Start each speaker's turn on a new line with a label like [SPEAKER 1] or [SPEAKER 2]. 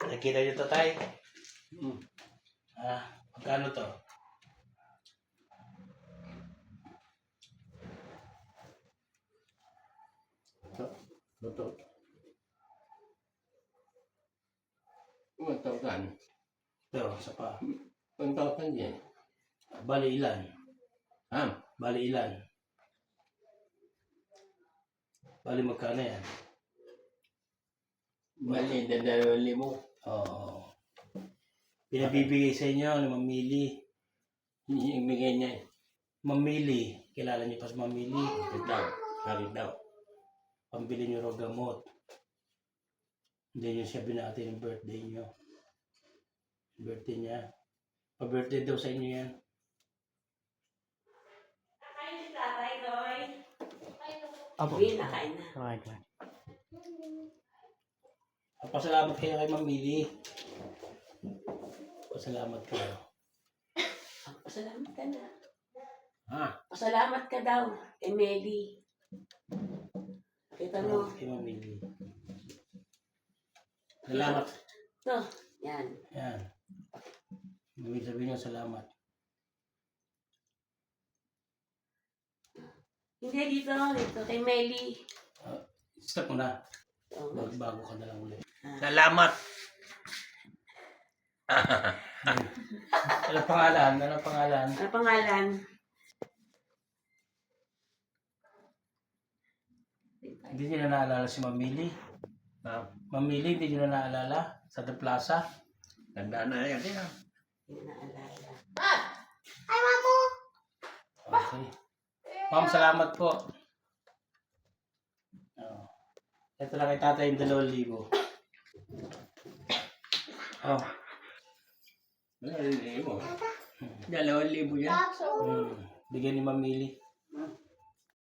[SPEAKER 1] Nakita niyo to, tay?
[SPEAKER 2] Hmm.
[SPEAKER 1] Magkano to?
[SPEAKER 2] Ito. 1,000.
[SPEAKER 1] Ito, isa pa.
[SPEAKER 2] 1,000 yan.
[SPEAKER 1] Bali ilan?
[SPEAKER 2] Ha?
[SPEAKER 1] Bali ilan? Bali magkano yan?
[SPEAKER 2] Bali, 2,000.
[SPEAKER 1] Oo. Pinabibigay sa inyo ni Mamili.
[SPEAKER 2] Ibigay niya.
[SPEAKER 1] Mamili. Kilala niyo pa sa Mamili?
[SPEAKER 2] Bakit daw?
[SPEAKER 1] Pambili niyo raw gamot. Hindi niyo siya binati ng birthday niyo. Birthday niya. Pa-birthday daw sa inyo yan.
[SPEAKER 3] Kain si Tatay, Doy.
[SPEAKER 1] Apo.
[SPEAKER 3] Hindi, nakain na.
[SPEAKER 1] Okay. Pasalamat kayo kay Mamili. Pasalamat kayo.
[SPEAKER 3] Pasalamat ka na.
[SPEAKER 2] Ha?
[SPEAKER 3] Pasalamat ka daw, Emily. Kita mo.
[SPEAKER 1] Kay Mamili. Salamat.
[SPEAKER 3] Ito, yan.
[SPEAKER 1] Yan. Ibig sabihin niyo salamat.
[SPEAKER 3] Hindi, dito kay Meli.
[SPEAKER 1] Stop mo na.
[SPEAKER 3] Oh,
[SPEAKER 1] Bago ka na lang ulit.
[SPEAKER 2] Salamat!
[SPEAKER 1] Ano pangalan? Ano pangalan?
[SPEAKER 3] ano pangalan?
[SPEAKER 1] Hindi niyo na naalala si Mamili. Mamili, hindi niyo na naalala? Sa The Plaza?
[SPEAKER 2] Tanda na yan.
[SPEAKER 3] Hindi na naalala.
[SPEAKER 1] Okay. Ma'am, salamat po. Oh. Ito na kay tatay yung 2,000. Oh.
[SPEAKER 2] 2,000 yan.
[SPEAKER 1] Bigyan ni Mamili.